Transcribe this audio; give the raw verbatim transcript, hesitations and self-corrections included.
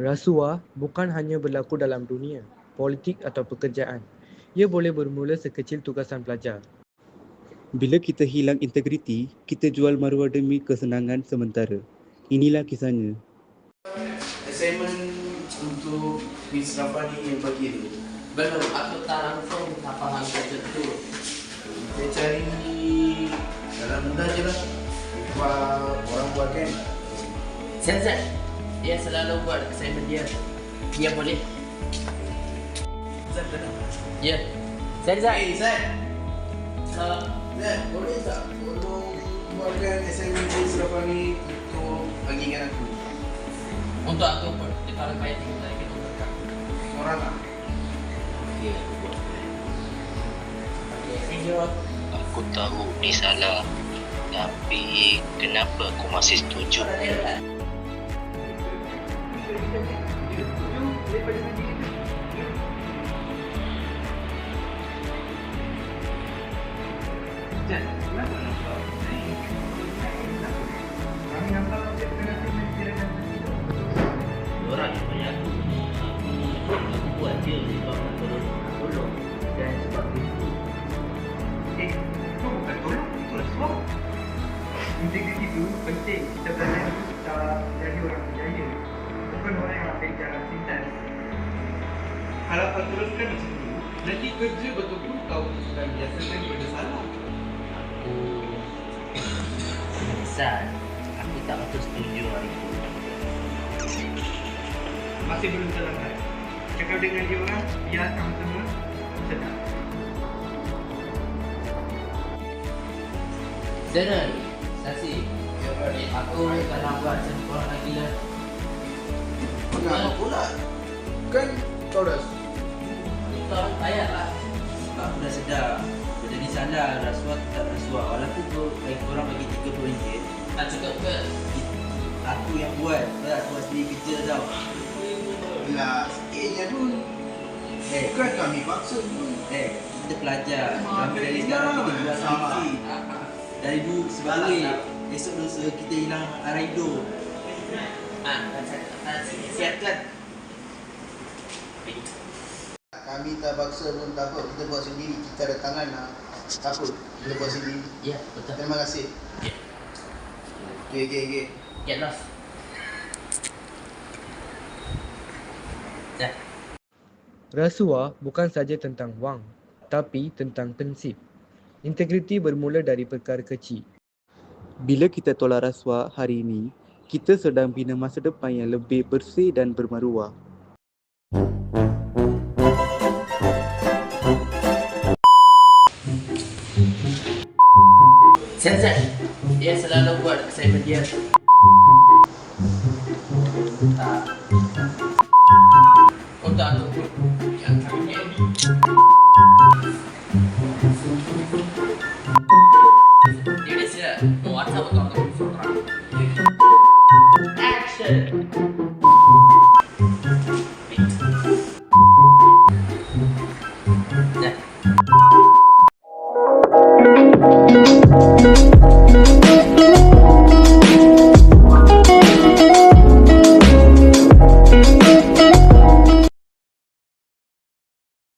Rasuah bukan hanya berlaku dalam dunia politik atau pekerjaan. Ia boleh bermula sekecil tugasan pelajar. Bila kita hilang integriti, kita jual maruah demi kesenangan sementara. Inilah kisahnya. Assignment untuk Miss Rafani yang bagi tu. Belum, aku tak langsung tak faham kerja tu. Saya cari dalam mudah je lah. Buat orang buat kan. Sensei, dia selalu buat assignment dia. Dia boleh. Zat dah. Ya. Sensei. Hey Zat. Uh, Zat, boleh tak tolong buatkan assignment Miss Rafani untuk bagikan aku? untuk aku pun, dia kalau payah tinggal lagi kita berkat. Orang lah. Okey, aku buat. Okey, thank you. Aku tahu ni salah, tapi kenapa aku masih setuju? Orang yang banyak aku, aku, aku buat dia sebab nak tolong, nak tolong dan sebab itu. Eh, itu bukan tolong, itu rasuah. Integriti itu penting. Kita belajar itu kita jadi orang berjaya. Bukan orang yang ambil jalan pintas. Kalau kau teruskan macam tu, nanti kerja betul-betul kau sudah biasakan benda salah. Aku menyesal. Aku tak betul setuju hari itu. Masih belum terlambat. Cakap dengan dia orang, biar sama-sama sedar. Zainal, Sasi, aku tak nak buat macam korang lagi lah. Kenapa pula? Kan kau dah Kita orang payah lah. Sebab aku dah sedar benda ni salah, rasuah tu tak rasuah. Walaupun kau bagi korang bagi tiga puluh ringgit, tak cukup ke? Aku yang buat, tak buat sendiri kerja tau. lah sikit je pun. Eh, Bukan kami paksa pun. eh, kita pelajar. Memang Kami dari ada sekarang hilang. kita buat Salah. skripsi. Dari dulu sebagai esok lusa kita hilang arah hidup. Ah, siapkan. Kami tak paksa pun tak apa. Kita buat sendiri. Kita ada tangan lah. Tak apa. Kita buat sendiri. Ya, betul. Terima kasih. Okey, okey, okey. Get lost. Dah. Rasuah bukan saja tentang wang, tapi tentang prinsip. Integriti bermula dari perkara kecil. Bila kita tolak rasuah hari ini, kita sedang bina masa depan yang lebih bersih dan bermaruah. Sensei, dia selalu buat assignment dia. Tak. Untuk aku pun. Yang kami ni.